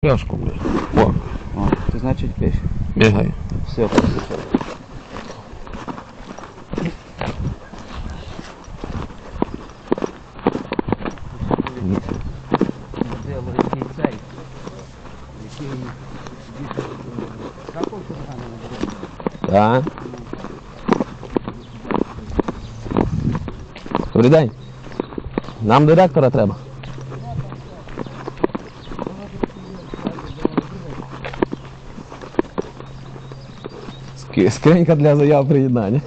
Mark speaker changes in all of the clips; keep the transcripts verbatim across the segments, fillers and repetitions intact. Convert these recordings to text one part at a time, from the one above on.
Speaker 1: Пляшку, блядь. О.
Speaker 2: О, це значить пиш.
Speaker 1: Бігай.
Speaker 2: Все, послухай.
Speaker 1: Так. Добрий день. Нам директора треба. Скринька для заяв приєднання.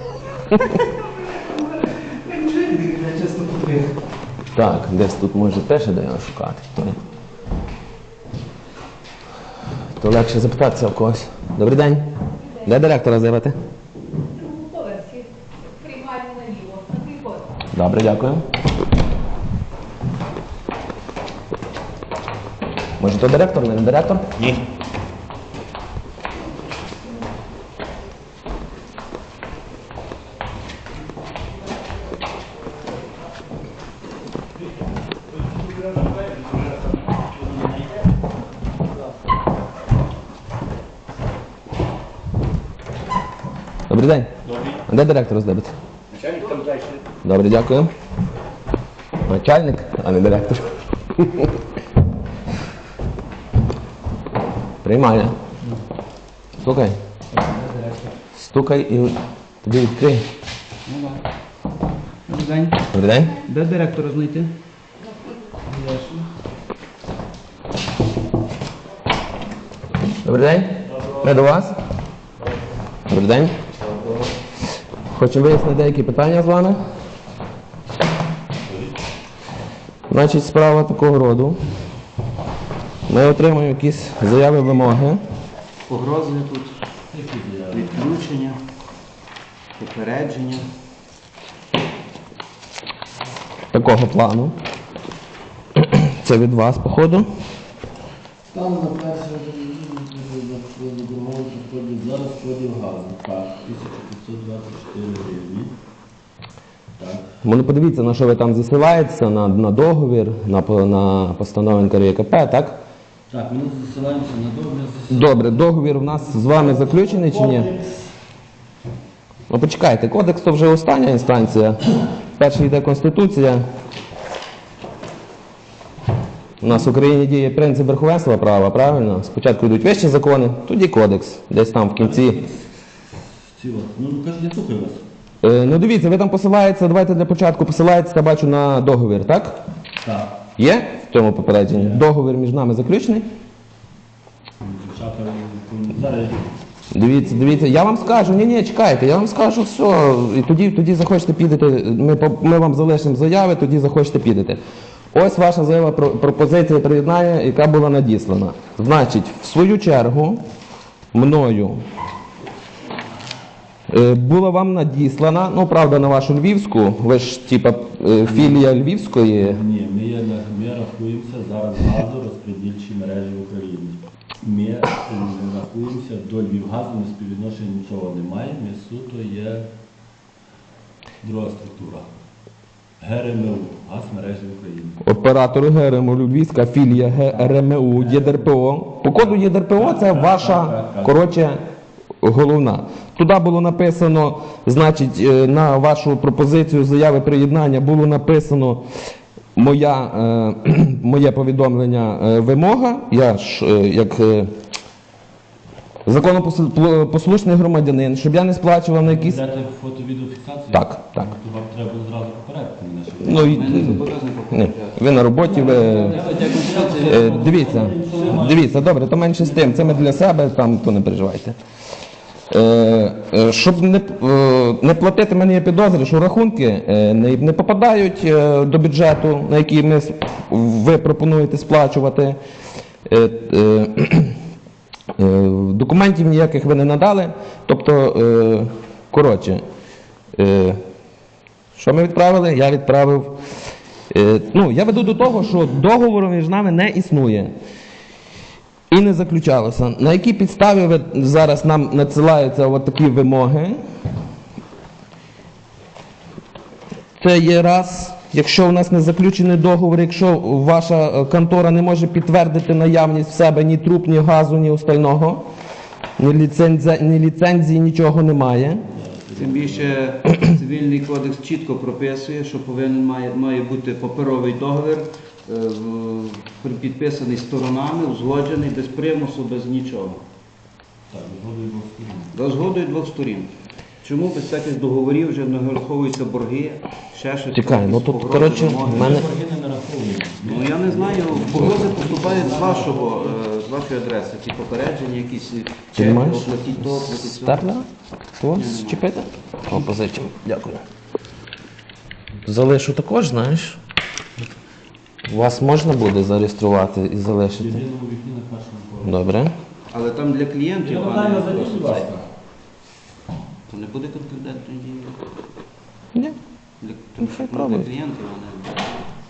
Speaker 1: Так, десь тут може теж де його шукати. То легше запитатися в когось. Добрий день. Де директора заявити?
Speaker 3: У поверсі. Приймальні наліво. На твій код.
Speaker 1: Добре, дякую. Може то директор, не директор?
Speaker 2: Ні.
Speaker 1: Добрий день.
Speaker 2: Добрий.
Speaker 1: А де директор здебити?
Speaker 2: Начальник там далі.
Speaker 1: Добре, дякую. Начальник, а не директор. Приймає. Стукай. Стукай і тобі відкрий.
Speaker 2: Ну так. Добрий день.
Speaker 1: Добрий день.
Speaker 2: Де директора знайти?
Speaker 1: Добрий день. Ми до вас. Добрий день. Хочемо вияснити деякі питання з вами. Значить, справа такого роду. Ми отримуємо якісь заяви, вимоги.
Speaker 2: Погрози тут. Відключення. Попередження.
Speaker 1: Такого плану. Це від вас, походу.
Speaker 4: Там на першому домовці входить зараз входив газу. Так, тисяча п'ятсот двадцять чотири гривні. Так.
Speaker 1: Ну, подивіться, на що ви там засилаєтеся, на, на договір, на, по- на постанову ен ка ер є ка пе, так?
Speaker 4: Так, ми засилаємося на договір.
Speaker 1: Добре, договір у нас з вами заключений чи ні?
Speaker 4: Кодекс.
Speaker 1: Ну почекайте, кодекс то вже остання інстанція. Перша йде Конституція. У нас в Україні діє принцип верховенства права, правильно? Спочатку йдуть вищі закони, тоді кодекс, десь там в кінці.
Speaker 4: Ці от. Ну, кажуть, я слухаю вас.
Speaker 1: Е, ну дивіться, ви там посилаєтеся, давайте для початку посилаєтеся, бачу, на договір, так?
Speaker 4: Так.
Speaker 1: Є в цьому попередженні? Договір між нами заключений?
Speaker 4: Дівчата, зараз
Speaker 1: Дивіться, дивіться, я вам скажу, ні, ні, чекайте, я вам скажу все, і тоді, тоді захочете підете, ми, по- ми вам залишимо заяви, тоді захочете підете. Ось ваша заява про пропозиція приєднання, яка була надіслана. Значить, в свою чергу, мною е, була вам надіслана, ну, правда, на вашу Львівську, ви ж, типа, е, філія Львівської.
Speaker 4: ні, ми, є, на- ми рахуємося зараз газорозподільчі мережі в Україні. Ми е, рахуємося до Львівгазу, ми співвідношення нічого не маємо, ми суто є друга структура. ге ер ем у, газ мережі в Україні.
Speaker 1: Оператору ге ер ем у Львівська філія ге ер ем у, є де ер пе о. По коду є де ер пе о це ваша, коротше, головна. Туди було написано, значить, е, на вашу пропозицію заяви приєднання було написано моя, е, моє повідомлення е, вимога. Я ж, е, як е, законопослушний громадянин, щоб я не сплачував на якісь...
Speaker 4: Дати фото-відеофіксацію?
Speaker 1: Так, так.
Speaker 4: То вам треба було зразу попередити мене, щоб...
Speaker 1: Ну, і, ні, ви на роботі, ви... Е, дивіться, дивіться, добре, то менше з тим, це ми для себе, там, то не переживайте. Е, е, щоб не, е, не платити, в мене є підозри, що рахунки е, не, не попадають е, до бюджету, на який ми, с- ви пропонуєте сплачувати. Е, е, е, документів ніяких ви не надали. Тобто, е, коротше, е, що ми відправили? Я відправив. Е, ну, я веду до того, що договору між нами не існує. І не заключалося. На якій підставі ви зараз нам надсилаються от такі вимоги? Це є раз. Якщо у нас не заключений договір, якщо ваша е, контора не може підтвердити наявність в себе ні труб, ні газу, ні остального, ні ліцензії, ні ліцензії, нічого немає.
Speaker 2: Тим більше цивільний кодекс чітко прописує, що повинен має, має бути паперовий договір, е, в- підписаний сторонами, узгоджений, без примусу, без нічого.
Speaker 4: Так, згодою двох сторін.
Speaker 2: За згодою двох сторін. Чому без всяких договорів вже не враховуються борги, ще щось?
Speaker 1: Чекай, ну
Speaker 2: якісь
Speaker 1: тут,
Speaker 2: погрози,
Speaker 1: коротше,
Speaker 2: вимоги?
Speaker 1: в мене...
Speaker 4: Борги не нараховуємо.
Speaker 2: Ну я не знаю, погрози поступають з вашого, е, з вашої адреси, ті попередження, якісь чеки,
Speaker 1: маєш?
Speaker 2: оплатіть то, оплатіть все.
Speaker 1: Степлера? То зчепити? О, позичимо. Дякую. Залишу також, знаєш. Вас можна буде зареєструвати і
Speaker 4: В
Speaker 1: залишити?
Speaker 4: єдиному вікні на першому поверсі.
Speaker 1: Добре.
Speaker 2: Але там для клієнтів,
Speaker 4: Я
Speaker 2: а
Speaker 4: вважаю,
Speaker 2: не
Speaker 4: зайдіть, будь ласка.
Speaker 2: то не буде конкурентної дії.
Speaker 1: Ні.
Speaker 2: Для,
Speaker 1: Ну, хай
Speaker 2: ну, для
Speaker 1: пробують.
Speaker 2: клієнтів, а не...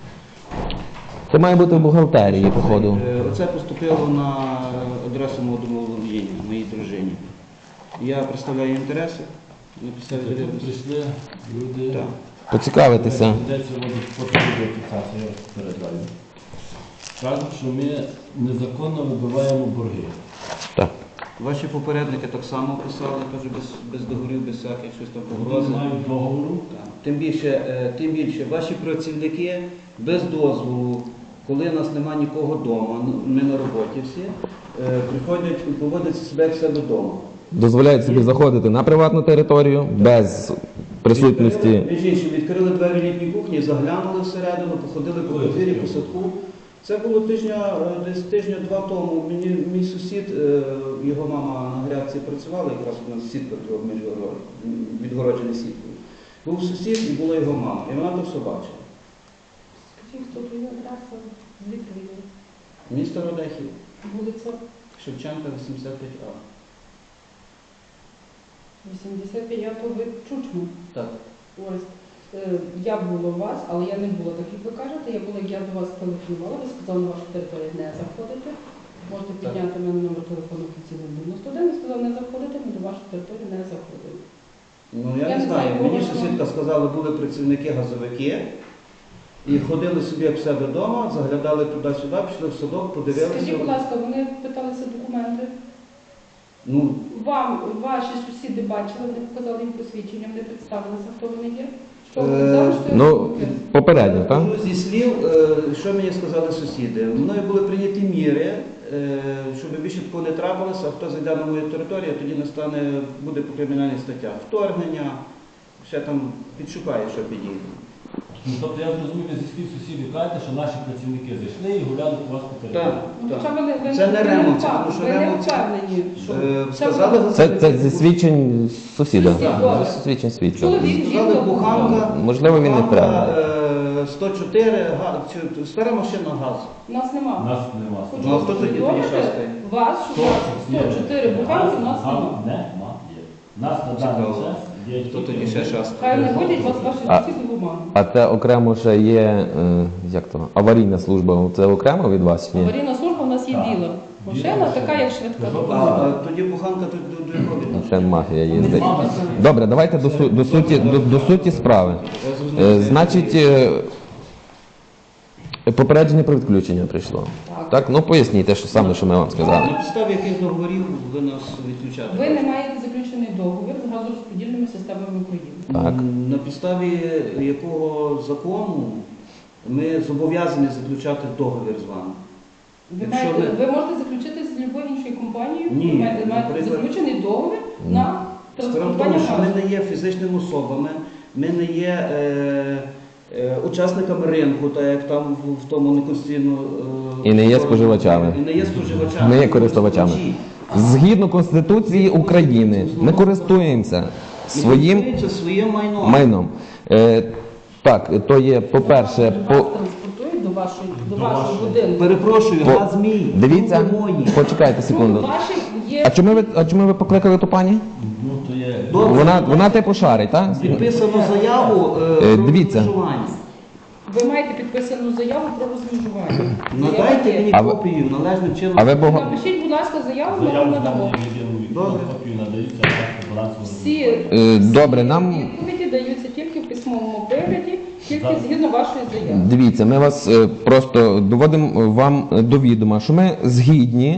Speaker 1: Це має бути в бухгалтерії, походу.
Speaker 2: Е, Оце поступило на адресу мого домоволодіння, моїй дружині. Я представляю інтереси на підставі
Speaker 4: Тут
Speaker 2: довіреності.
Speaker 4: прийшли люди.
Speaker 2: Так.
Speaker 1: Поцікавитися.
Speaker 4: Йдеться потрібна фіксація, я вас попереджаю. Кажуть, що ми незаконно вибиваємо борги.
Speaker 1: Так.
Speaker 2: Ваші попередники так само писали, теж без, без договорів, без всяких щось там
Speaker 4: Вони
Speaker 2: погрози.
Speaker 4: не мають договору.
Speaker 2: Так. Тим більше, е, тим більше, ваші працівники без дозволу, коли нас нема нікого вдома, ми на роботі всі, е, приходять і поводять себе як в себе вдома.
Speaker 1: Дозволяють собі заходити на приватну територію без присутності.
Speaker 2: Між іншим, відкрили двері літньої кухні, заглянули всередину, походили по подвір'ї, по садку. Це було тижня, е, десь тижня-два тому. Мені мій сусід, е, його мама на грядці працювала, якраз у нас сітка була міжгород- відгороджена сіткою. Був сусід і була його мама, і вона то все бачила.
Speaker 3: Скажіть, хто твоя адреса? Звідки ви є?
Speaker 2: Місто Родехів,
Speaker 3: Вулиця
Speaker 2: Шевченка, вісімдесят п'ять А.
Speaker 3: вісімдесят п'ятого ви Чучму.
Speaker 2: Так.
Speaker 3: Ось. Е, Я була у вас, але я не була, так як ви кажете. Я була, я до вас телефонувала, ви сказали, на вашу територію не заходити. Можете підняти мене номер телефону офіційний дев'яносто один, ви сказали, не заходити, ми до вашої території не заходили.
Speaker 2: Ну я,
Speaker 3: Я
Speaker 2: не
Speaker 3: не
Speaker 2: знаю,
Speaker 3: знаю,
Speaker 2: мені
Speaker 3: кого
Speaker 2: сусідка сказала, були працівники-газовики. І ходили собі як в себе вдома, заглядали туди-сюди, пішли в садок, подивилися.
Speaker 3: Скажіть, будь ласка, вони питалися документи.
Speaker 2: Ну,
Speaker 3: Вам ваші сусіди бачили, вони показали їм посвідчення, вони представилися, хто вони є. Що
Speaker 2: Е,
Speaker 3: вони казали, що я
Speaker 1: Ну,
Speaker 3: роблю?
Speaker 1: попередньо, так?
Speaker 2: Ну, зі слів, е, що мені сказали сусіди, мною були прийняті міри, е, щоб більше такого не трапилося, а хто зайде на мою територію, тоді настане, буде по кримінальних статтях вторгнення, ще там підшукає, що підійде.
Speaker 4: Ну, тобто я зрозумів, зі слів сусідів кажете, що наші працівники зайшли і гуляли у вас по
Speaker 2: Так,
Speaker 4: території.
Speaker 3: Ну,
Speaker 2: так.
Speaker 3: хоча ви не- ви
Speaker 2: Це
Speaker 3: не-
Speaker 2: не
Speaker 3: ви
Speaker 2: ремонт,
Speaker 3: не
Speaker 2: це
Speaker 3: впев-
Speaker 2: тому що
Speaker 3: ви не
Speaker 2: ремонт це-
Speaker 3: впевнені, що
Speaker 2: Е,
Speaker 3: це
Speaker 2: сказали
Speaker 3: ви-
Speaker 1: Це, це зі свідчень сусіда.
Speaker 3: Добре.
Speaker 1: Зі свідчень свідчення.
Speaker 3: Чоловік,
Speaker 2: Сказали,
Speaker 3: жінка,
Speaker 2: буханка,
Speaker 1: Можливо, він не
Speaker 2: буханка,
Speaker 1: правильний.
Speaker 2: е, сто чотири, га- чи- стара машина газ.
Speaker 3: Нас нема.
Speaker 4: Нас нема.
Speaker 3: Хочу
Speaker 2: Ну, а хто тоді
Speaker 3: повідомити
Speaker 2: тоді шастає?
Speaker 3: вас, що у вас сто чотири буханки, у нас
Speaker 4: Газ
Speaker 3: нема.
Speaker 4: немає. Нас на даний
Speaker 2: Цікаво.
Speaker 4: час є
Speaker 2: Хто
Speaker 4: тільки-
Speaker 2: тоді ще шастає?
Speaker 3: Хай не ходять вас ваші
Speaker 1: А-
Speaker 3: сусіди в обману.
Speaker 1: А це окремо ще є, е, як то, аварійна служба. Це окремо від вас чи ні?
Speaker 3: Аварійна служба у нас є
Speaker 4: Так.
Speaker 3: біла. Машина
Speaker 4: Біла
Speaker 3: така, як швидка
Speaker 4: машина.
Speaker 2: А,
Speaker 3: допомога.
Speaker 2: а тоді буханка тут до, до якого
Speaker 1: Ну,
Speaker 2: відношення?
Speaker 1: Ще мафія їздить.
Speaker 4: Мама,
Speaker 1: Добре, давайте до, су- до, суті, до, до суті справи.
Speaker 2: Я зрозумів.
Speaker 1: Е, Значить, е, попередження про відключення прийшло.
Speaker 3: Так.
Speaker 1: Так, ну поясніть те, що саме, що ми вам сказали.
Speaker 2: На підставі яких договорів ви нас відключаєте?
Speaker 3: Ви не маєте заключений договір з газорозподільними системами України.
Speaker 1: Так.
Speaker 2: М, На підставі якого закону ми зобов'язані заключати договір з вами?
Speaker 3: Ви,
Speaker 2: Якщо
Speaker 3: маєте,
Speaker 2: ви-
Speaker 3: ви можете заключити з будь-якою іншою компанією,
Speaker 2: Ні,
Speaker 3: ви маєте, маєте
Speaker 2: наприклад-
Speaker 3: заключений договір на
Speaker 2: Справа в
Speaker 3: транспортування
Speaker 2: тому, що ми
Speaker 3: газу.
Speaker 2: не є фізичними особами, ми не є е, е, учасниками ринку, так як там в, в тому неконституційно... Е,
Speaker 1: І не є споживачами.
Speaker 2: І не є споживачами.
Speaker 1: Ми є користувачами. Згідно Конституції України, ми користуємося своїм
Speaker 2: Своїм своїм майном.
Speaker 1: майном. Е, так, то є, по-перше,
Speaker 3: Вас
Speaker 1: по,
Speaker 3: транспортують до вашої, до
Speaker 4: До
Speaker 3: вашого
Speaker 4: вашої.
Speaker 3: будинку.
Speaker 2: Перепрошую,
Speaker 1: по,
Speaker 2: газ мій.
Speaker 1: дивіться,
Speaker 2: руки мої.
Speaker 1: почекайте
Speaker 3: Тут
Speaker 1: секунду.
Speaker 3: ваші є...
Speaker 1: А чому ви, а чому ви покликали ту пані?
Speaker 4: Ну, то є...
Speaker 2: Добре.
Speaker 1: Вона, вона типу шарить, так?
Speaker 2: Підписано заяву е,
Speaker 1: Е,
Speaker 2: про
Speaker 1: дивіться.
Speaker 2: розмежування.
Speaker 3: Ви маєте підписану заяву про розмежування.
Speaker 2: Надайте
Speaker 3: Заява є.
Speaker 2: мені
Speaker 1: А ви-
Speaker 2: копію належним чином.
Speaker 1: А ви бого...
Speaker 3: Напишіть, будь ласка, заяву, ми вам
Speaker 4: Заяву
Speaker 3: надамо.
Speaker 4: в єдиному вікні,
Speaker 2: Добре.
Speaker 4: копію надаються власне балансовому.
Speaker 3: Всі
Speaker 1: Е, добре, нам...
Speaker 3: відповіді даються тільки в письмовому вигляді Тільки згідно вашої заяви.
Speaker 1: Дивіться, ми вас е, просто доводимо вам до відома, що ми згідні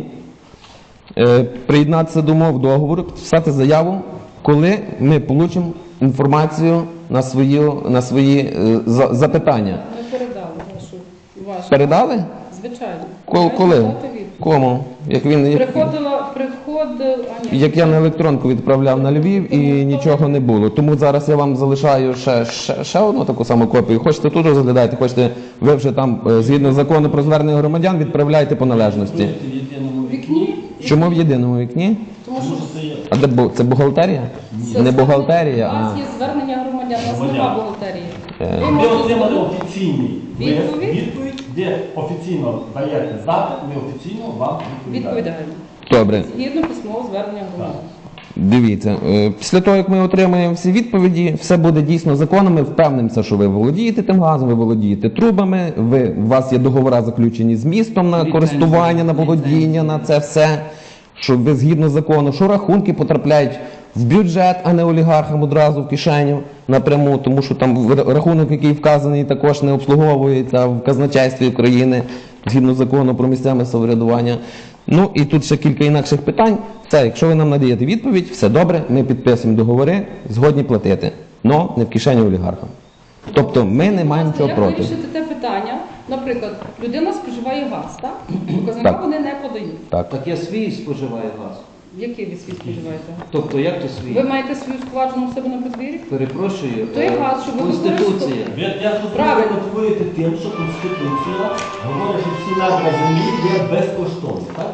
Speaker 1: е, приєднатися до умов договору, підписати заяву, коли ми получимо інформацію на свої, на свої е, за- запитання.
Speaker 3: Ми передали вашу, вашу.
Speaker 1: Передали?
Speaker 3: Звичайно.
Speaker 1: Ко-
Speaker 3: Маєте
Speaker 1: Коли?
Speaker 3: дати відповідь.
Speaker 1: Кому? Як він як,
Speaker 3: Приходила, приходила, а ні.
Speaker 1: як я на електронку відправляв на Львів і нічого не було. Тому зараз я вам залишаю ще, ще, ще одну таку саму копію. Хочете тут розглядайте, хочете ви вже там е, згідно закону про звернення громадян відправляйте по належності.
Speaker 4: В єдиному
Speaker 3: Вікні?
Speaker 1: Чому в єдиному вікні?
Speaker 3: Тому
Speaker 4: Тому
Speaker 3: що
Speaker 4: що це є.
Speaker 1: А де бу- це бухгалтерія?
Speaker 3: це
Speaker 1: Не бухгалтерія,
Speaker 3: У нас
Speaker 1: а
Speaker 3: є звернення громадян, у нас
Speaker 4: Громадян.
Speaker 3: нема бухгалтерії.
Speaker 1: Е.
Speaker 3: Ви
Speaker 4: Ви
Speaker 3: можете
Speaker 4: отримали
Speaker 3: звернути-
Speaker 4: офіційний лист,
Speaker 3: Відповідь?
Speaker 4: відповідь, де офіційно даєте запит, ми офіційно вам відповідаємо.
Speaker 3: відповідаємо.
Speaker 1: добре.
Speaker 3: Згідно письмового звернення громадян.
Speaker 1: Дивіться, е, після того, як ми отримаємо всі відповіді, все буде дійсно законом. Ми впевнимося, що ви володієте тим газом, ви володієте трубами, ви, у вас є договори заключені з містом на користування, на володіння, на це все. Що ви згідно закону, що рахунки потрапляють в бюджет, а не олігархам одразу в кишеню напряму, тому що там рахунок, який вказаний, також не обслуговується в казначействі України згідно закону про місцеве самоврядування. Ну і тут ще кілька інакших питань. Це, якщо ви нам надаєте відповідь, все добре, ми підписуємо договори, згодні платити, но не в кишені олігархам. Тобто ми не маємо нічого
Speaker 3: Як
Speaker 1: проти.
Speaker 3: вирішити те питання? Наприклад, людина споживає газ, так? Показника
Speaker 1: Так.
Speaker 3: вони не подають.
Speaker 1: Так.
Speaker 2: Так я свій споживаю газ.
Speaker 3: Який ви свій споживаєте?
Speaker 2: Тобто, як то
Speaker 3: Ви
Speaker 2: свій?
Speaker 3: маєте свою складжену в себе на подвір'ї?
Speaker 2: Перепрошую,
Speaker 3: То є
Speaker 2: е,
Speaker 3: газ, що ви
Speaker 2: Конституція.
Speaker 4: Ви я тут
Speaker 3: Правильно.
Speaker 4: мотивуєте тим, що Конституція говорить, що всі надра землі є безкоштовні, так?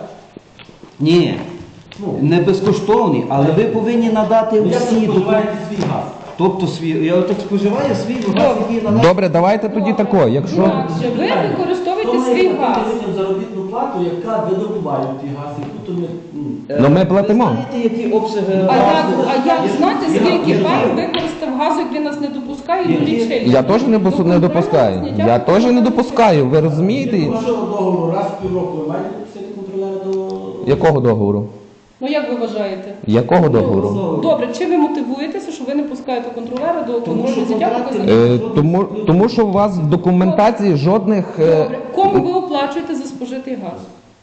Speaker 2: Ні,
Speaker 4: Ну,
Speaker 2: не безкоштовні, але ви повинні надати
Speaker 4: ну, як ви
Speaker 2: усі документи.
Speaker 4: споживаєте свій газ?
Speaker 2: Тобто свій, я так споживаю свій газ, який надав.
Speaker 1: Добре, давайте тоді тако, якщо...
Speaker 3: Інакше ви використовуєте
Speaker 4: То ми
Speaker 3: свій
Speaker 4: платимо
Speaker 3: газ.
Speaker 4: людям заробітну плату, яка видобуває ті газ, яку то ми... ну,
Speaker 1: Ну, ми платимо.
Speaker 2: Ви знаєте, які обсяги
Speaker 3: А як,
Speaker 2: газу?
Speaker 3: а як знати,
Speaker 2: Я-
Speaker 3: скільки
Speaker 2: я-
Speaker 3: пар використав газу, як він нас не допускає до
Speaker 2: Які-
Speaker 3: лічильника?
Speaker 1: Я теж не, бос- не допускаю. Я теж не допускаю, ви розумієте?
Speaker 4: Від вашого договору раз в півроку ви маєте підписати контролера до...
Speaker 1: Якого договору?
Speaker 3: Ну як ви вважаєте?
Speaker 1: Якого договору?
Speaker 2: Ну,
Speaker 3: Добре, чи ви мотивуєтеся, що ви не пускаєте контролера до
Speaker 2: Тому
Speaker 3: контролю
Speaker 2: що
Speaker 3: життя
Speaker 2: контракти-
Speaker 3: показників?
Speaker 1: Е, тому, тому що у вас в документації жодних е,
Speaker 3: Добре. Кому ви оплачуєте за спожитий газ?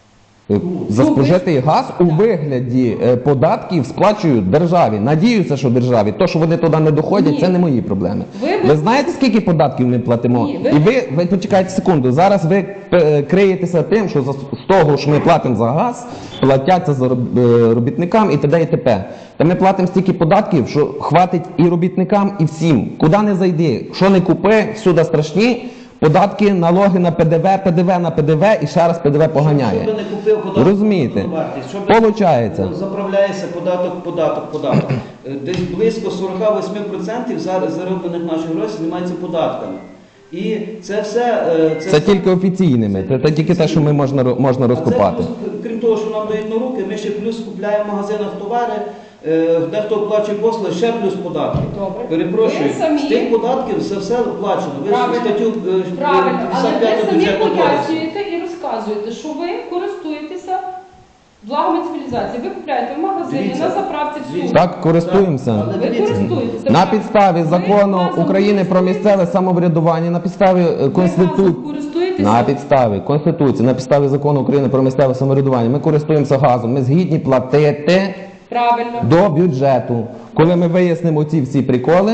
Speaker 1: е, за
Speaker 3: Ну, ви-
Speaker 1: спожитий газ у вигляді е, податків сплачують державі. Надіюся, що державі. То, що вони туди не доходять,
Speaker 3: Ні.
Speaker 1: це не мої проблеми.
Speaker 3: Ви-
Speaker 1: Ви знаєте, скільки податків ми платимо?
Speaker 3: Ні, ви-
Speaker 1: І ви, ви почекайте секунду. Зараз ви е, криєтеся тим, що за- з того, що ми платимо за газ, платяться за роб- е, робітникам і т.д. і т.п. Та ми платимо стільки податків, що хватить і робітникам, і всім. Куди не зайди, що не купи, всюди страшні. Податки, налоги на ПДВ, ПДВ на ПДВ і ще раз ПДВ поганяє.
Speaker 2: Щоб не купив податок,
Speaker 1: Розумієте?
Speaker 2: на вартість, щоб
Speaker 1: Получається.
Speaker 2: заправляється податок, податок, податок. Е, Десь близько сорок вісім відсотків зараз зароблених наших грошей знімається податками. І це все... е,
Speaker 1: Це тільки офіційними, це, це тільки те, що ми можна, ро- можна
Speaker 2: А це
Speaker 1: розкопати.
Speaker 2: плюс, крім того, що нам дають на руки, ми ще плюс купляємо в магазинах товари, е, дехто оплачує послуги, ще плюс податки.
Speaker 3: Добре.
Speaker 2: Перепрошую,
Speaker 3: Ви самі-
Speaker 2: з тих податків це все оплачено. Ви ж
Speaker 3: Правильно.
Speaker 2: статтю е,
Speaker 3: Правильно, але
Speaker 2: п'ятдесят
Speaker 3: ви
Speaker 2: п'яту
Speaker 3: самі
Speaker 2: бюджетного кодексу.
Speaker 3: пояснюєте і розказуєте, що ви користуєтеся благами цивілізації. Ви купляєте в магазині,
Speaker 2: Дивіться,
Speaker 3: на заправці всюди.
Speaker 2: дивіться.
Speaker 1: Так, користуємося.
Speaker 2: Але
Speaker 3: Ви
Speaker 2: дивіться,
Speaker 3: користуєтеся.
Speaker 1: На підставі
Speaker 3: Ви
Speaker 1: закону
Speaker 3: газом
Speaker 1: України про
Speaker 3: користуєтеся?
Speaker 1: місцеве самоврядування, на підставі е,
Speaker 3: Ви
Speaker 1: Конституції.
Speaker 3: газом користуєтеся?
Speaker 1: На підставі Конституції, на підставі закону України про місцеве самоврядування, ми користуємося газом. Ми згідні платити
Speaker 3: Правильно.
Speaker 1: до бюджету. Коли ми вияснимо ці всі приколи,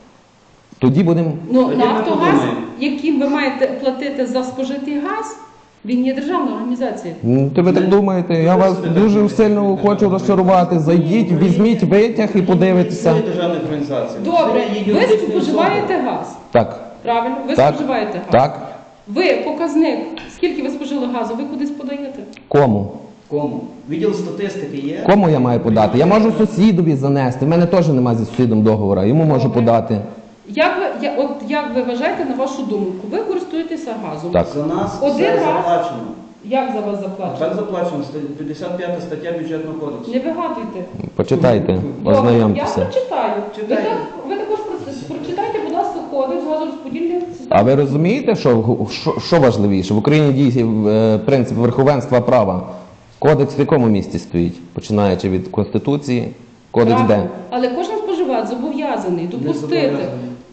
Speaker 1: тоді будемо.
Speaker 3: Ну,
Speaker 2: Тоді ми
Speaker 3: Нафтогаз,
Speaker 2: подумаємо.
Speaker 3: яким ви маєте платити за спожитий газ, він є державною організацією.
Speaker 1: М, То ви так думаєте? Я вас дуже сильно хочу розчарувати. Зайдіть, візьміть витяг і подивитеся.
Speaker 2: Це державна організація.
Speaker 3: Добре,
Speaker 2: Це є
Speaker 3: ви
Speaker 2: юридичні
Speaker 3: споживаєте газ.
Speaker 1: Так,
Speaker 3: Правильно? Ви
Speaker 1: так,
Speaker 3: споживаєте газ.
Speaker 1: так.
Speaker 3: Ви показник, скільки ви спожили газу, ви кудись подаєте?
Speaker 1: Кому?
Speaker 2: особи. Кому? Відділ статистики є.
Speaker 1: Кому я маю подати? Я можу сусідові занести. В мене теж немає зі сусідом договору, йому можу подати.
Speaker 3: Як ви, я, от, як ви вважаєте, на вашу думку, ви користуєтеся газом?
Speaker 1: Так.
Speaker 2: За нас
Speaker 3: Один
Speaker 2: все
Speaker 3: раз.
Speaker 2: заплачено.
Speaker 3: Як за вас
Speaker 2: А
Speaker 3: заплачено?
Speaker 2: так заплачено, ста- п'ятдесят п'ята стаття бюджетного кодексу.
Speaker 3: Не вигадуйте.
Speaker 1: Почитайте,
Speaker 3: Добре, я
Speaker 1: ознайомтеся.
Speaker 3: прочитаю. Ви,
Speaker 2: Читайте.
Speaker 3: так, ви також про- прочитайте, будь ласка, кодекс газорозподільної системи.
Speaker 1: А ви розумієте, що, що, що важливіше? В Україні діє е, принцип верховенства права. Кодекс в якому місці стоїть? Починаючи від Конституції, кодекс де?
Speaker 3: Правильно. Але кожен споживач зобов'язаний допустити
Speaker 2: зобов'язаний.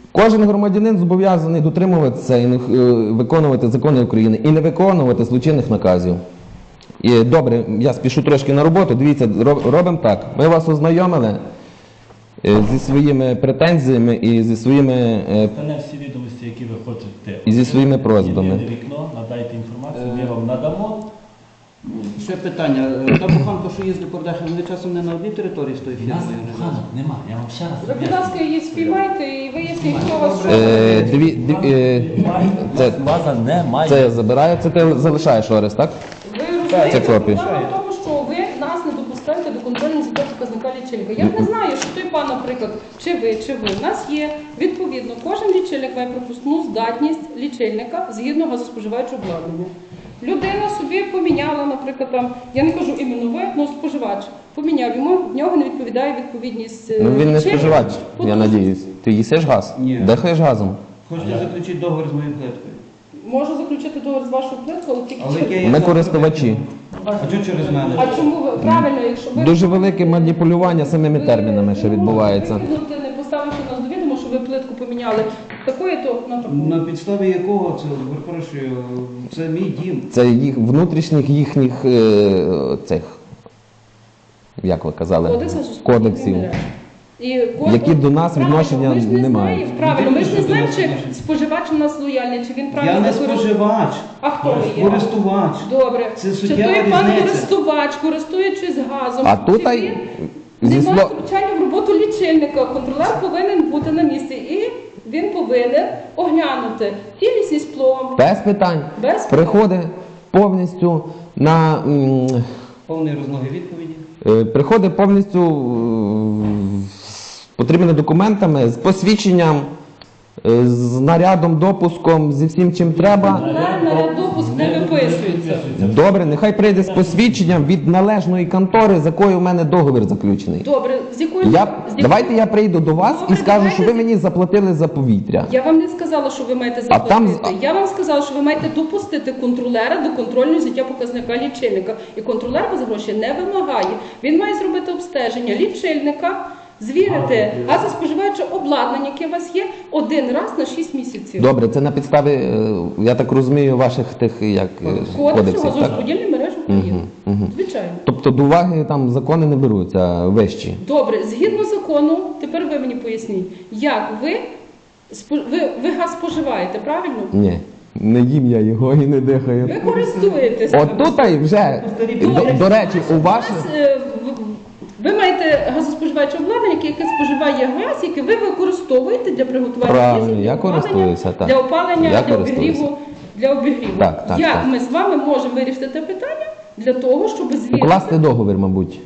Speaker 1: Кожен громадянин зобов'язаний дотримуватися і не- е, виконувати закони України і не виконувати злочинних наказів. І добре, я спішу трошки на роботу. Дивіться, ро- робимо так. Ми вас ознайомили е, зі своїми претензіями і зі своїми е,
Speaker 4: Остане всі відомості, які ви хочете.
Speaker 1: І зі своїми просьбами.
Speaker 4: Єдине вікно, надайте інформацію, ми вам надамо.
Speaker 2: Ще питання. Е, Та буханка, що їздить по Радехам, вони часом не на одній території з тої
Speaker 4: У нас
Speaker 2: фірми?
Speaker 4: буханок нема, я вам ще раз
Speaker 3: Ви, будь ласка, її спіймайте і виясніть, хто вас що.
Speaker 1: е, дві, дві, е, це-
Speaker 4: це, база немає.
Speaker 1: це я забираю, це ти залишаєш Орес, так?
Speaker 3: Ви розумієте,
Speaker 1: Це копія.
Speaker 3: проблема в тому, що ви нас не допускаєте до контрольного звіту показника лічильника. Я не знаю, що той пан, наприклад, чи ви, чи ви. У нас є, відповідно, кожен лічильник має пропускну здатність лічильника згідно газоспоживаючого обладнання. Людина собі поміняла, наприклад, там, я не кажу іменно ви, але споживач поміняв, йому в нього не відповідає відповідність е,
Speaker 1: Ну він не
Speaker 3: лічильника.
Speaker 1: споживач, я
Speaker 3: Потужність.
Speaker 1: надіюсь. Ти їсиш газ?
Speaker 2: Ні.
Speaker 1: Дихаєш газом?
Speaker 2: Хочете заключити договір з моєю плиткою?
Speaker 3: Можу заключити договір з вашою плиткою, але тільки
Speaker 2: Але
Speaker 3: через...
Speaker 2: яке є
Speaker 1: Ми
Speaker 2: завтра
Speaker 1: користувачі.
Speaker 2: питання? А чого через мене?
Speaker 3: А чому ви правильно, якщо ви
Speaker 1: Дуже велике маніпулювання самими термінами, що відбувається.
Speaker 3: Ви не поставивши нас до відома, що ви плитку поміняли такої, то на таку.
Speaker 2: На підставі якого це, перепрошую, це мій дім.
Speaker 1: Це їх внутрішніх їхніх е, цих, як ви казали,
Speaker 3: Кодексу суспільних
Speaker 1: кодексів.
Speaker 3: мереж. І кожен-
Speaker 1: Які до нас
Speaker 3: правильно,
Speaker 1: відношення
Speaker 3: ми ж не
Speaker 1: не
Speaker 3: знаємо,
Speaker 1: мають.
Speaker 3: Правильно, ми ж не
Speaker 2: Які
Speaker 3: знаємо, чи
Speaker 2: відношення?
Speaker 3: споживач у нас лояльний, чи він правильно
Speaker 2: Я не
Speaker 3: використовує.
Speaker 2: споживач,
Speaker 3: А хто ви є?
Speaker 2: користувач.
Speaker 3: Добре.
Speaker 2: Це
Speaker 3: Чи
Speaker 2: суттєва
Speaker 3: той пан
Speaker 2: різниця.
Speaker 3: користувач, користуючись газом,
Speaker 1: А тут
Speaker 3: чи
Speaker 1: ай-
Speaker 3: він
Speaker 1: зі
Speaker 3: не має
Speaker 1: слов-
Speaker 3: втручання в роботу лічильника. Контролер повинен бути на місці і він повинен оглянути цілісність пломб.
Speaker 1: Без питань.
Speaker 3: Без питань.
Speaker 1: Приходить повністю на м,
Speaker 2: Повний розлоги відповіді.
Speaker 1: е, приходить повністю е, з потрібними документами, з посвідченням, е, з нарядом, допуском, зі всім чим треба.
Speaker 3: Контролер наряд допуск не виписується.
Speaker 1: Добре, нехай прийде з посвідченням від належної контори, з якою в мене договір заключений.
Speaker 3: Добре, з якою
Speaker 1: Я,
Speaker 3: з якою-
Speaker 1: давайте я прийду до вас
Speaker 3: Добре,
Speaker 1: і скажу,
Speaker 3: давайте
Speaker 1: що ви
Speaker 3: з-
Speaker 1: мені заплатили за повітря.
Speaker 3: Я вам не сказала, що ви маєте
Speaker 1: А там
Speaker 3: заплатити.
Speaker 1: з-
Speaker 3: Я вам сказала, що ви маєте допустити контролера до контрольного взяття показника лічильника. І контролер вас гроші не вимагає. Він має зробити обстеження лічильника, звірити газоспоживаюче обладнання, яке у вас є, один раз на шість місяців.
Speaker 1: Добре, це на підставі, е, я так розумію, ваших тих як е,
Speaker 3: Кодексу
Speaker 1: кодексів. Так?
Speaker 3: газорозподільної мережі України.
Speaker 1: Мгм, мгм.
Speaker 3: Звичайно.
Speaker 1: Тобто до уваги там закони не беруться вищі.
Speaker 3: Добре, згідно закону, тепер ви мені поясніть, як ви, спо- ви, ви газ споживаєте, правильно?
Speaker 1: Ні, не їм я його і не дихаю.
Speaker 3: Ви користуєтеся.
Speaker 1: От тут і вже, до, до речі, у
Speaker 3: У
Speaker 1: ваших...
Speaker 3: вас, е, в- ви маєте газоспоживаюче обладнання, яке, яке споживає газ, яке ви використовуєте для приготування
Speaker 1: Правильно,
Speaker 3: їжі,
Speaker 1: я
Speaker 3: для опалення,
Speaker 1: користуюся, так.
Speaker 3: для опалення,
Speaker 1: Я
Speaker 3: для
Speaker 1: користуюся.
Speaker 3: обігріву. Для обігріву.
Speaker 1: Так, так,
Speaker 3: Як
Speaker 1: так.
Speaker 3: ми з вами можемо вирішити те питання для того, щоб звірити?
Speaker 1: Укласти договір, мабуть.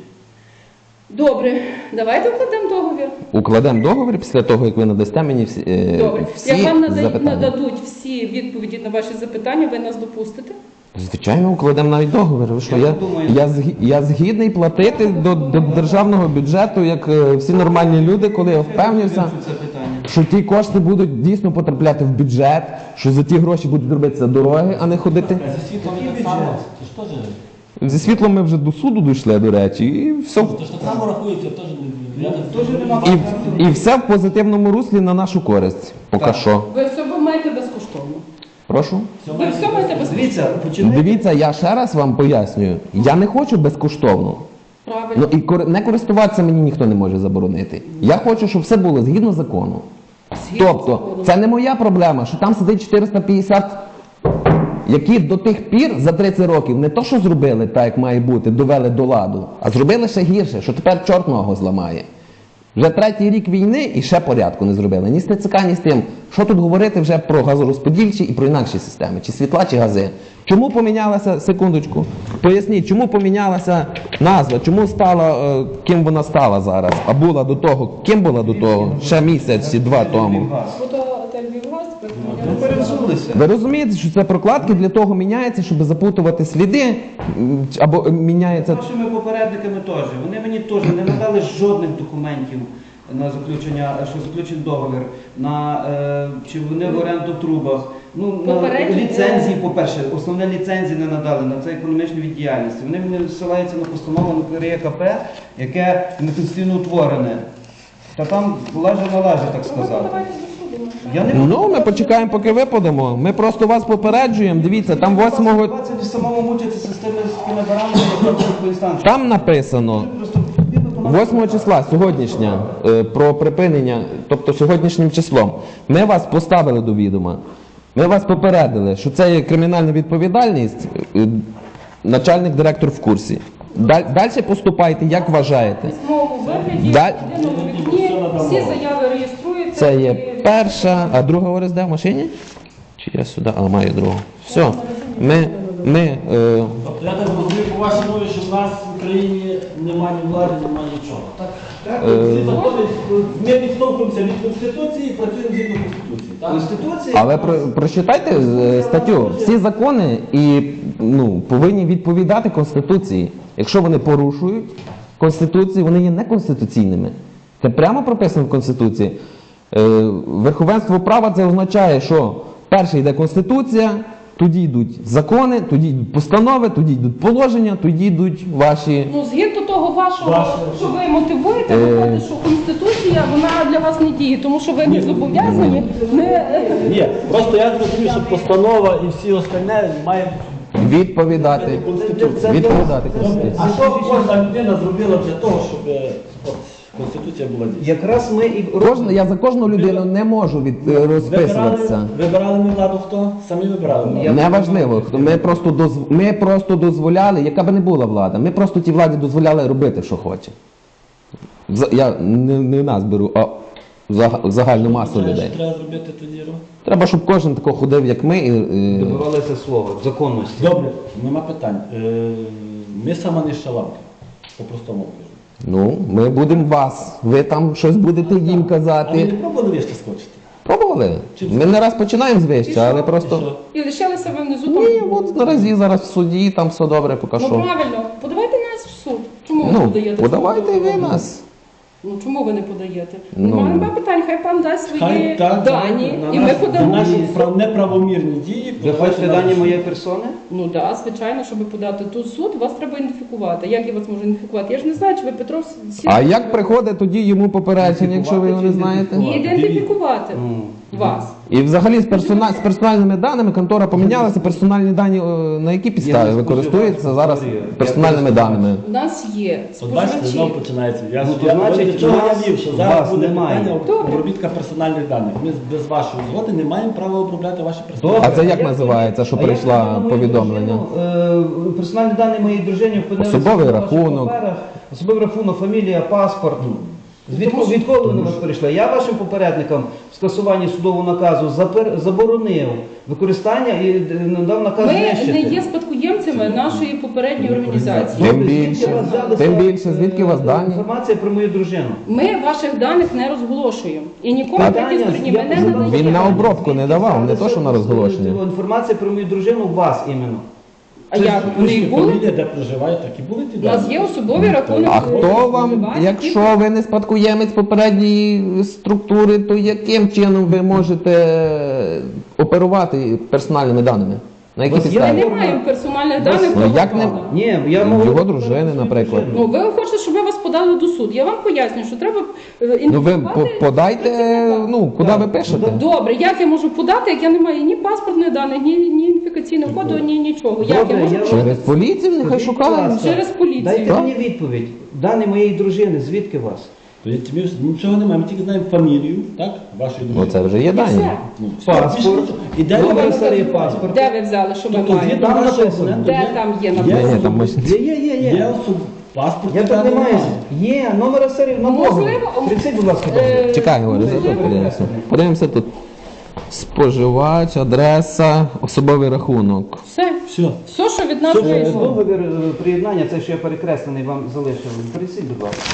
Speaker 3: Добре, давайте укладемо договір.
Speaker 1: Укладемо договір після того, як ви надасте мені всі, е,
Speaker 3: Добре.
Speaker 1: всі
Speaker 3: Як вам нада-
Speaker 1: запитання.
Speaker 3: нададуть всі відповіді на ваші запитання, ви нас допустите?
Speaker 1: Звичайно, укладемо навіть договір. Ви що,
Speaker 2: Я
Speaker 1: я,
Speaker 2: думаю-
Speaker 1: я, згі- я згідний платити до, до державного бюджету, як е, всі нормальні люди, коли я впевнився,
Speaker 2: Це питання.
Speaker 1: що ті кошти будуть дійсно потрапляти в бюджет, що за ті гроші будуть робитися дороги, а не ходити.
Speaker 4: А зі світлом
Speaker 2: Який
Speaker 4: так само.
Speaker 2: бюджет?
Speaker 4: Це ж теж.
Speaker 1: Зі світлом ми вже до суду дійшли, до речі, і все,
Speaker 4: Це ж так само рахується, теж не- я так
Speaker 2: Теж нема
Speaker 1: і, і все в позитивному руслі на нашу користь. Поки
Speaker 2: Так.
Speaker 1: що.
Speaker 3: Ви все маєте безкоштовно.
Speaker 1: Прошу.
Speaker 4: Все
Speaker 3: Ви
Speaker 4: має
Speaker 3: все маєте безкоштовно.
Speaker 2: Дивіться, починайте.
Speaker 1: Дивіться, я ще раз вам пояснюю. Я не хочу безкоштовно.
Speaker 3: Правильно.
Speaker 1: Ну і кор- не користуватися мені ніхто не може заборонити. Я хочу, щоб все було згідно закону.
Speaker 3: Згідно
Speaker 1: Тобто,
Speaker 3: закону.
Speaker 1: це не моя проблема, що там сидить чотириста п'ятдесят, які до тих пір за тридцять років не то, що зробили так, як має бути, довели до ладу, а зробили ще гірше, що тепер чорт ногу зламає. Вже третій рік війни і ще порядку не зробили. Ні з ТЦК, ні з тим. Що тут говорити вже про газорозподільчі і про інакші системи, чи світла, чи гази. Чому помінялася, секундочку, поясніть, чому помінялася назва, чому стала, е, ким вона стала зараз, а була до того, ким була до того, ще місяць чи два тому.
Speaker 3: Фотоотель «Львівгаз», тепер
Speaker 2: Ну,
Speaker 3: помінялися.
Speaker 2: перевзулися.
Speaker 1: Ви розумієте, що це прокладки для того міняється, щоб запутувати сліди, м, або е, міняється.
Speaker 2: Нашими попередниками теж. Вони мені теж не надали жодних документів на заключення, що заключений договір, на е, чи вони в оренду в трубах. Ну, на
Speaker 3: Попередні,
Speaker 2: ліцензії,
Speaker 3: е,
Speaker 2: по-перше, основне ліцензії не надали на це економічну віддіяльність. Вони мені ссилаються на постанову на КРЄКП, яке неконституційно утворене. Та там лаже на лаже, так
Speaker 3: Ну, ви
Speaker 2: сказати.
Speaker 3: подавайте до суду.
Speaker 2: Я не можу.
Speaker 1: Ну, ми почекаємо, поки ви подамо. Ми просто вас попереджуємо. Дивіться, там восьмого
Speaker 2: двадцять самому мучитися з тими з тими баранами, як там по інстанції.
Speaker 1: там написано
Speaker 2: Просто потрібно до нас-
Speaker 1: восьмого числа, сьогоднішня, е, про припинення, тобто сьогоднішнім числом. Ми вас поставили до відома. Ми вас попередили, що це є кримінальна відповідальність. е, Начальник директор в курсі. Далі поступайте, як вважаєте.
Speaker 3: В письмовому вигляді,
Speaker 1: Да-
Speaker 3: в єдиному вікні, всі заяви реєструються.
Speaker 1: Це є
Speaker 3: і-
Speaker 1: перша, а друга ОРС де в машині? Чи я сюди? А, маю другу. Все. Ми, ми е,
Speaker 4: Тобто я так розумію по вашій мові, що в нас в Україні немає ні влади, немає нічого. Так? Так, всі закони, ми відштовхуємося від Конституції і працюємо згідно Конституції. Так?
Speaker 2: Конституція.
Speaker 1: але про, прочитайте е, статтю. Всі закони і ну, повинні відповідати Конституції. Якщо вони порушують Конституцію, вони є неконституційними. Це прямо прописано в Конституції. Е, верховенство права це означає, що перше йде Конституція, тоді йдуть закони, тоді йдуть постанови, тоді йдуть положення, тоді йдуть ваші.
Speaker 3: Ну, згідно того вашого,
Speaker 4: Ваше-
Speaker 3: що ви мотивуєте,
Speaker 1: Е.
Speaker 3: виходить, що Конституція, вона для вас не діє, тому що ви не зобов'язані не...
Speaker 4: Ні, просто я зрозумів, що постанова і всі остальне мають
Speaker 1: Відповідати.
Speaker 4: Конституцію.
Speaker 1: Відповідати
Speaker 4: Добре.
Speaker 1: Конституції.
Speaker 4: А що кожна людина зробила для того, щоб е, от, Конституція була дійсна?
Speaker 2: Якраз ми і
Speaker 1: Кожна, я за кожну людину не можу від, е, розписуватися.
Speaker 4: Вибирали, вибирали ми владу хто? Самі вибирали владу.
Speaker 1: Неважливо, хто- ми просто, доз... ми просто дозволяли, яка би не була влада, ми просто тій владі дозволяли робити, що хоче. За- Я не, не нас беру, а заг- загальну масу
Speaker 4: Знаєш,
Speaker 1: людей.
Speaker 4: що треба зробити тоді, Ро?
Speaker 1: Треба, щоб кожен тако ходив, як ми. І, і...
Speaker 2: добивалися слова, законності.
Speaker 4: Добре, нема питань. Е, Ми сама не шалавки, по-простому кажу.
Speaker 1: Ну, ми будемо вас. Ви там щось будете їм
Speaker 4: А ви не
Speaker 1: казати.
Speaker 4: пробували вище скочити?
Speaker 1: Пробували. Ми не раз починаємо з вища, але
Speaker 4: І
Speaker 1: просто.
Speaker 4: що?
Speaker 3: І лишилися ви внизу там.
Speaker 1: Ні, от наразі зараз в суді, там все добре, поки
Speaker 3: Ну
Speaker 1: що.
Speaker 3: правильно, подавайте нас в суд. Чому ви не
Speaker 1: Ну,
Speaker 3: подаєте?
Speaker 1: подавайте
Speaker 3: в суд?
Speaker 1: ви нас.
Speaker 3: Ну чому ви не подаєте?
Speaker 1: Ну.
Speaker 3: Немає немає питань, хай пан дасть свої
Speaker 4: Хай так,
Speaker 3: дані,
Speaker 2: на
Speaker 3: і
Speaker 2: нас-
Speaker 3: ми
Speaker 4: За
Speaker 3: подамо.
Speaker 4: наші прав- неправомірні дії.
Speaker 2: Ви хочете дані моєї персони?
Speaker 3: Ну так, да, звичайно, щоб подати тут суд, вас треба ідентифікувати. Як я вас можу ідентифікувати? Я ж не знаю, чи ви Петров Сі-
Speaker 1: А як приходить тоді йому попередження, якщо ви його не знаєте?
Speaker 3: І ідентифікувати
Speaker 2: Ну,
Speaker 3: вас.
Speaker 1: І взагалі з, персона... з персональними даними контора помінялася, персональні дані е, на які підставі
Speaker 2: Я не
Speaker 1: використовуються
Speaker 2: споживач,
Speaker 1: зараз
Speaker 2: Вікторія.
Speaker 1: персональними
Speaker 2: Я
Speaker 1: даними.
Speaker 3: У нас є
Speaker 4: От бачите,
Speaker 3: споживачі.
Speaker 4: знову починається. Я,
Speaker 2: Ну, то
Speaker 4: я
Speaker 2: значить,
Speaker 4: до чого
Speaker 2: вас-
Speaker 4: я вів, що
Speaker 2: вас
Speaker 4: зараз буде
Speaker 2: немає.
Speaker 4: питання
Speaker 3: Добре.
Speaker 4: обробітка персональних даних. Ми без вашої згоди не маємо права обробляти ваші персональні
Speaker 1: А
Speaker 4: дані.
Speaker 1: це як називається, що
Speaker 2: А як
Speaker 1: прийшла
Speaker 2: на мою
Speaker 1: повідомлення?
Speaker 2: дружину, е, Персональні дані моєї дружини опинилися
Speaker 1: Особовий
Speaker 2: на ваших
Speaker 1: рахунок.
Speaker 2: паперах. Особовий рахунок, фамілія, паспорт. Звідки, відколи вони у вас прийшли? Я вашим попередникам в скасуванні судового наказу запер- заборонив використання і е, надав наказ
Speaker 3: Ми
Speaker 2: знищити.
Speaker 3: не є спадкоємцями нашої попередньої організації.
Speaker 1: Тим
Speaker 2: Звідки
Speaker 1: більше,
Speaker 2: у вас взялися,
Speaker 1: тим більше, звідки у вас
Speaker 2: е,
Speaker 1: дані?
Speaker 2: Інформація про мою дружину.
Speaker 3: Ми ваших даних не розголошуємо. І нікому
Speaker 1: Так.
Speaker 3: такі стороні ми
Speaker 2: Я
Speaker 3: не
Speaker 2: задав
Speaker 3: надаємо.
Speaker 1: Він на обробку не давав, не
Speaker 2: Взялися,
Speaker 1: то, що на розголошення.
Speaker 2: е, Інформація про мою дружину у вас іменно.
Speaker 3: А як вони і були?
Speaker 4: Фамілія, де проживає, так і були ті
Speaker 3: У нас
Speaker 4: дані.
Speaker 3: є особовий рахунок.
Speaker 1: А хто вам,
Speaker 3: споживачів,
Speaker 1: якщо ви не спадкоємець попередньої структури, то яким чином ви можете оперувати персональними даними? На які
Speaker 2: У вас є
Speaker 3: Ми
Speaker 1: підставі?
Speaker 3: не маємо персональних даних.
Speaker 1: Ну,
Speaker 3: того
Speaker 1: як не-
Speaker 3: пана.
Speaker 2: Ні, я можу...
Speaker 1: Його дружини, наприклад.
Speaker 3: Ну, ви хочете, щоб ми вас подали до суду. Я вам поясню, що треба е,
Speaker 1: Ну ви
Speaker 3: ідентифікувати
Speaker 1: по- подайте,
Speaker 3: працівника.
Speaker 1: ну куди ви пишете?
Speaker 3: Добре, як я можу подати, як я не маю ні паспортних даних, ні, ні ідентифікаційного коду, ні нічого. Як
Speaker 2: Добре,
Speaker 3: я можу
Speaker 2: я-
Speaker 1: Через поліцію нехай
Speaker 2: Скажіть, будь
Speaker 1: шукають.
Speaker 2: ласка,
Speaker 3: через поліцію?
Speaker 2: Дайте
Speaker 1: Так.
Speaker 2: мені відповідь. Дані моєї дружини, звідки у вас?
Speaker 4: То є- ми ж нічого немає, ми тільки знаємо фамілію, так? Вашої
Speaker 1: Ну
Speaker 4: дружини.
Speaker 1: це вже є
Speaker 3: І
Speaker 1: дані.
Speaker 3: все.
Speaker 4: Ну, все,
Speaker 2: Паспорт.
Speaker 4: більше нічого. І де
Speaker 2: Номер
Speaker 4: ви
Speaker 2: серії паспорта.
Speaker 3: Де ви взяли, що ви
Speaker 4: Тобто
Speaker 3: маєте?
Speaker 4: згідно
Speaker 2: Там
Speaker 4: нашого
Speaker 2: написано.
Speaker 4: документу
Speaker 3: Де
Speaker 4: є-
Speaker 3: там є
Speaker 4: є
Speaker 3: написано?
Speaker 1: Ні, там ось-
Speaker 2: Є, є, є,
Speaker 4: Є
Speaker 2: є.
Speaker 4: особ... паспорт.
Speaker 2: Я так не маю. Є, номера серії на
Speaker 3: Можливо,
Speaker 2: договір. Приціть, будь ласка,
Speaker 3: Е,
Speaker 2: договір.
Speaker 1: Чекай, говорю,
Speaker 3: Можливо.
Speaker 1: зараз подивимося. Подивимося тут. Споживач, адреса, особовий рахунок.
Speaker 3: Все.
Speaker 4: Все.
Speaker 3: Все, що від нас
Speaker 2: Е,
Speaker 3: вийшло.
Speaker 2: Договір е, приєднання, це що я перекреслений вам залишив. Приціть, будь ласка.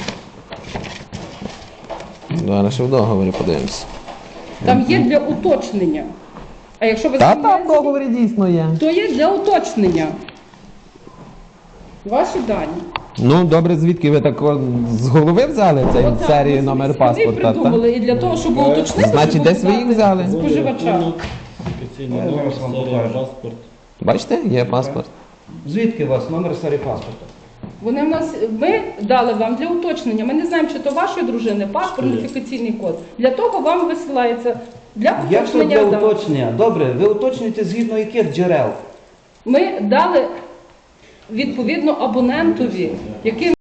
Speaker 1: Зараз ще в договорі подивимося.
Speaker 3: Там є для уточнення. А якщо ви
Speaker 1: Та там в
Speaker 3: звільняєтеся,
Speaker 1: договорі дійсно є.
Speaker 3: то є для уточнення. Ваші дані.
Speaker 1: Ну добре, звідки ви так о, з голови взяли цей
Speaker 3: Отак,
Speaker 1: серію
Speaker 3: ми
Speaker 1: номер
Speaker 3: собі
Speaker 1: паспорта? Та?
Speaker 3: придумали, і для того, щоб уточнити,
Speaker 1: Значить,
Speaker 3: щоб
Speaker 1: десь ви їх
Speaker 3: подати
Speaker 1: взяли?
Speaker 3: споживача.
Speaker 4: Офіційний
Speaker 2: Я
Speaker 4: номер,
Speaker 2: зараз вам
Speaker 4: серія,
Speaker 2: покажу.
Speaker 4: паспорт.
Speaker 1: Бачите, є паспорт.
Speaker 2: Звідки у вас номер серії паспорта?
Speaker 3: Вони в нас, ми дали вам для уточнення. Ми не знаємо, чи то вашої дружини, паспорт,
Speaker 4: Що є?
Speaker 3: ідентифікаційний код. Для того вам висилається Для
Speaker 2: Як то
Speaker 3: уточнення
Speaker 2: для
Speaker 3: дат.
Speaker 2: уточнення? Добре, ви уточнюєте згідно яких джерел?
Speaker 3: Ми дали відповідно абонентові, яким